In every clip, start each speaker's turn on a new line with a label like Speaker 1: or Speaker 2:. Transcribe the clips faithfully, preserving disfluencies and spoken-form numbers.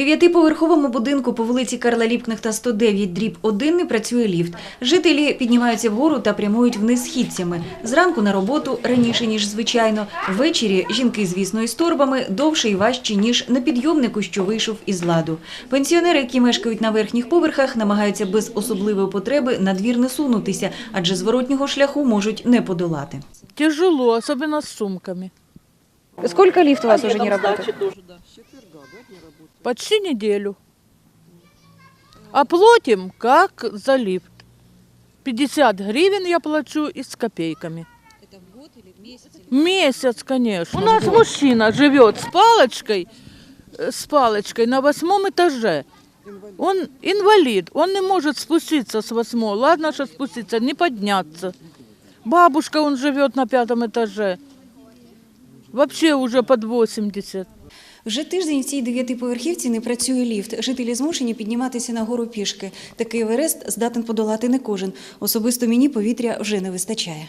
Speaker 1: дев'ятиповерховому будинку по вулиці Карла Ліпкнехта сто дев'ять дріб один не працює ліфт. Жителі піднімаються вгору та прямують вниз східцями. Зранку на роботу раніше, ніж звичайно. Ввечері жінки, звісно, із торбами довше і важче, ніж на підйомнику, що вийшов із ладу. Пенсіонери, які мешкають на верхніх поверхах, намагаються без особливої потреби на двір не сунутися, адже зворотнього шляху можуть не подолати.
Speaker 2: Тяжело, особенно с сумками.
Speaker 3: Сколько лифт у вас уже не работает?
Speaker 2: Почти неделю. А платим как за лифт. пятьдесят гривен я плачу и с копейками.
Speaker 4: Это в год или в месяц?
Speaker 2: Месяц, конечно. У нас мужчина живет с палочкой, э, с палочкой на восьмом этаже. Он инвалид, он не может спуститься с восьмого. Ладно, что спуститься, не подняться. Бабушка, он живет на пятом этаже. Вообще уже под восемьдесят.
Speaker 1: Вже тиждень в цій дев'ятиповерхівці не працює ліфт. Жителі змушені підніматися на гору пішки. Такий Еверест здатен подолати не кожен. Особисто мені повітря вже не вистачає.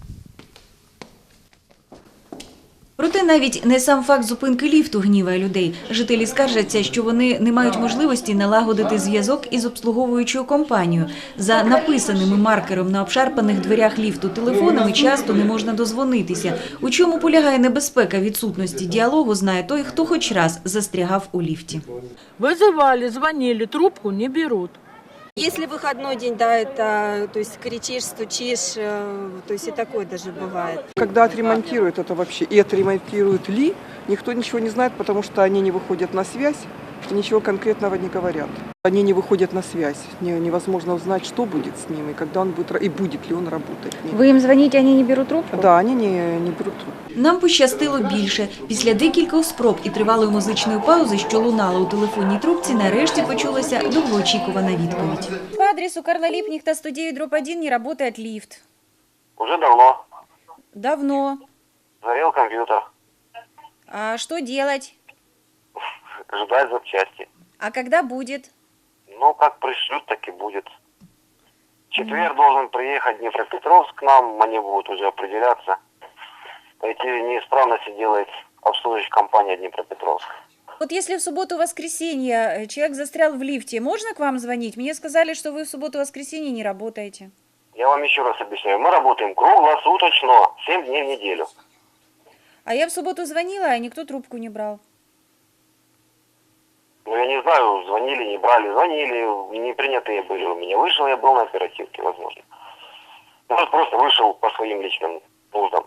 Speaker 1: Проте навіть не сам факт зупинки ліфту гніває людей. Жителі скаржаться, що вони не мають можливості налагодити зв'язок із обслуговуючою компанією. За написаними маркером на обшарпаних дверях ліфту телефонами часто не можна дозвонитися. У чому полягає небезпека відсутності діалогу, знає той, хто хоч раз застрягав у ліфті.
Speaker 2: Вызывали, звонили, трубку не берут.
Speaker 5: Если выходной день, да, это, то есть кричишь, стучишь, э, то есть и такое даже бывает.
Speaker 6: Когда отремонтируют это вообще, и отремонтируют ли, никто ничего не знает, потому что они не выходят на связь и ничего конкретного не говорят. Они не выходят на связь, не- невозможно узнать, что будет с ними, когда он будет, ра- и будет ли он работать. Нет.
Speaker 3: Вы им звоните, они не берут трубку?
Speaker 6: Да, они не, не берут трубку.
Speaker 1: Нам пощастило більше. Після декількох спроб і тривалої музичної паузи, що лунала у телефонній трубці, нарешті почулася довгоочікувана відповідь.
Speaker 3: По адресу Карла Липкнехта сто девять дробь один не работает лифт.
Speaker 7: Уже давно.
Speaker 3: Давно.
Speaker 7: Зарел компьютер.
Speaker 3: А что делать?
Speaker 7: Ждать запчасти.
Speaker 3: А когда будет?
Speaker 7: Ну, как пришлют, так и будет. В четверг должен приехать Днепропетровск к нам, они будут уже определяться. Эти неисправности делает обслуживающая компания Днепропетровск.
Speaker 3: Вот если в субботу-воскресенье человек застрял в лифте, можно к вам звонить? Мне сказали, что вы в субботу-воскресенье не работаете.
Speaker 7: Я вам еще раз объясняю, мы работаем круглосуточно, семь дней в неделю.
Speaker 3: А я в субботу звонила, а никто трубку не брал.
Speaker 7: Ну, я не знаю, звонили, не брали, звонили, не принятые были у меня. Вышел, я был на оперативке, возможно. Может, просто вышел по своим личным нуждам.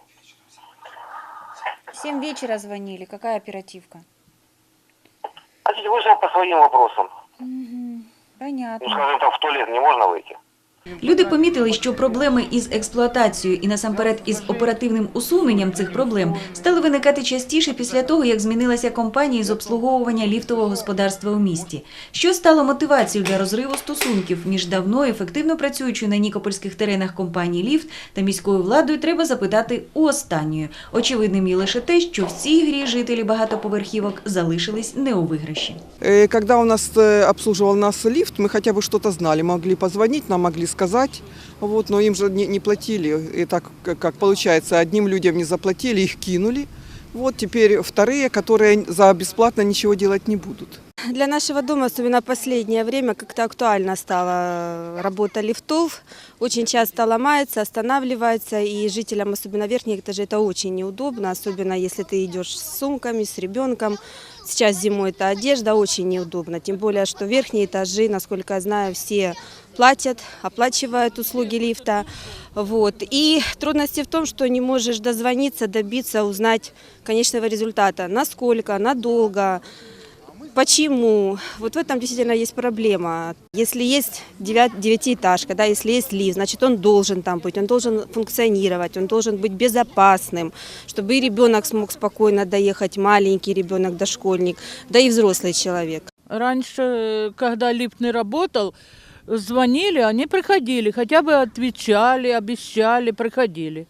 Speaker 3: В семь вечера звонили. Какая оперативка?
Speaker 7: Значит, вышел по своим вопросам. Ну,
Speaker 3: Понятно.
Speaker 7: скажем так, в туалет не можно выйти.
Speaker 1: Люди помітили, що проблеми із експлуатацією і насамперед із оперативним усуненням цих проблем стали виникати частіше після того, як змінилася компанія з обслуговування ліфтового господарства у місті. Що стало мотивацією для розриву стосунків між давно ефективно працюючою на нікопольських теренах компанії «Ліфт» та міською владою, треба запитати у останньої. Очевидним є лише те, що в цій грі жителі багатоповерхівок залишились не у виграші.
Speaker 6: Э, Когда у нас э, обслуживал нас лифт, мы хотя бы что-то знали, могли позвонить, нам могли сказать, вот, но им же не, не платили. И так, как, как получается, одним людям не заплатили, их кинули. Вот теперь вторые, которые за бесплатно ничего делать не будут.
Speaker 5: Для нашего дома, особенно в последнее время, как-то актуальна стала работа лифтов. Очень часто ломается, останавливается, и жителям, особенно верхних этажей, это очень неудобно, особенно если ты идешь с сумками, с ребенком. Сейчас зимой это одежда, очень неудобно, тем более, что верхние этажи, насколько я знаю, все платят, оплачивают услуги лифта. Вот. И трудности в том, что не можешь дозвониться, добиться, узнать конечного результата, насколько, надолго, почему. Вот в этом действительно есть проблема. Если есть девять, девятиэтажка, да, если есть лифт, значит он должен там быть, он должен функционировать, он должен быть безопасным, чтобы и ребенок смог спокойно доехать, маленький ребенок, дошкольник, да и взрослый человек.
Speaker 2: Раньше, когда лифт не работал, звонили, они приходили, хотя бы отвечали, обещали, приходили.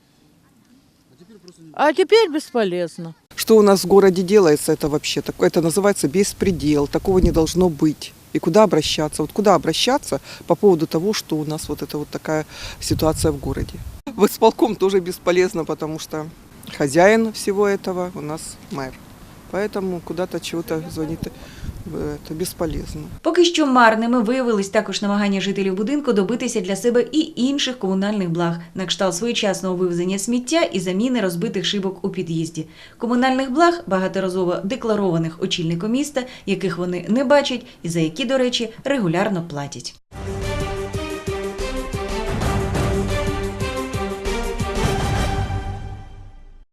Speaker 2: А теперь бесполезно.
Speaker 6: Что у нас в городе делается, это вообще такое, это называется беспредел, такого не должно быть. И куда обращаться? Вот куда обращаться по поводу того, что у нас вот это вот такая ситуация в городе? В исполком тоже бесполезно, потому что хозяин всего этого у нас мэр. Поэтому куда-то чего-то звонит. это бесполезно.
Speaker 1: Поки що марними виявились також намагання жителів будинку добитися для себе і інших комунальних благ, на кшталт своєчасного вивезення сміття і заміни розбитих шибок у під'їзді. Комунальних благ, багаторазово декларованих очільником міста, яких вони не бачать і за які, до речі, регулярно платять.